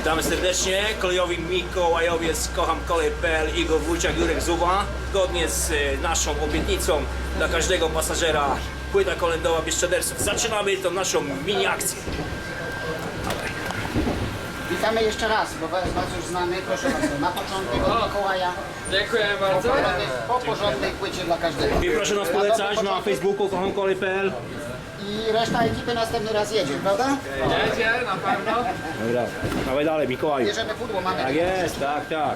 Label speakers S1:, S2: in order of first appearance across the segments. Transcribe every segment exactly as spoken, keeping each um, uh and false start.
S1: Witamy serdecznie, kolejowi Mikołajowiec, kocham kolej kropka p l, Igor Wójciak, Jurek Zuba. Zgodnie z naszą obietnicą dla każdego pasażera płyta kolędowa Bieszczaderców. Zaczynamy tą naszą mini akcję.
S2: Witamy jeszcze raz, bo Was już znamy, proszę bardzo, na początek od Mikołaja.
S3: Dziękuję bardzo.
S2: Po porządnej płycie dla każdego.
S1: I proszę nas polecać na Facebooku kocham kolej kropka p l.
S2: I reszta ekipy następny raz jedzie, prawda?
S3: Jedzie, na pewno.
S1: Dobra, dawaj dalej Mikołaju.
S2: Bierzemy pudło, mamy.
S1: Tak jest, tak, tak.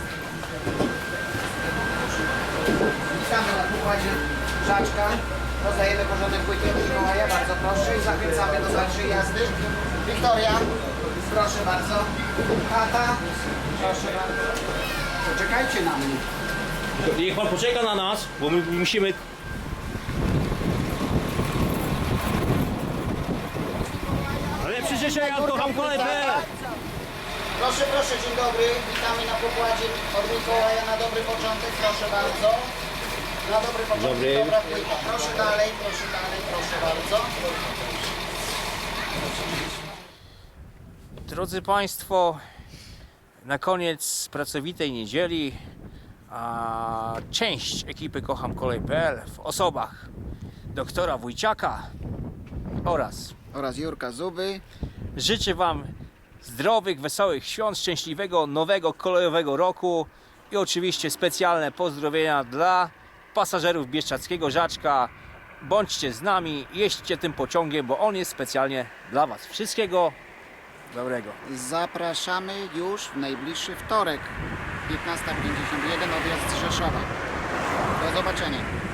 S2: Witamy na pokładzie Żaczka. Rozdajemy porządek płyty od Mikołaja, bardzo proszę. I zachęcamy do dalszej jazdy. Wiktoria, proszę bardzo. Tata, proszę bardzo. Poczekajcie na mnie.
S1: Niech pan poczeka na nas, bo my musimy... Lepsze życzenia od kocham kolej kropka p l.
S2: Proszę, proszę, dzień dobry. Witamy na pokładzie od Mikołaja na dobry początek, proszę bardzo. Na dobry początek,
S1: Dobry.
S2: dobra płyta. Proszę dalej, proszę dalej, proszę bardzo.
S1: Drodzy Państwo, na koniec pracowitej niedzieli a część ekipy Kocham Kolej kropka p l w osobach doktora Wójciaka oraz
S2: Oraz Jurka Zuby.
S1: życzę Wam zdrowych, wesołych świąt, szczęśliwego nowego kolejowego roku i oczywiście specjalne pozdrowienia dla pasażerów bieszczadzkiego Żaczka. Bądźcie z nami, jeźdźcie tym pociągiem, bo on jest specjalnie dla Was. Wszystkiego dobrego.
S2: Zapraszamy już w najbliższy wtorek, piętnasta pięćdziesiąt jeden, odjazd z Rzeszowa. Do zobaczenia.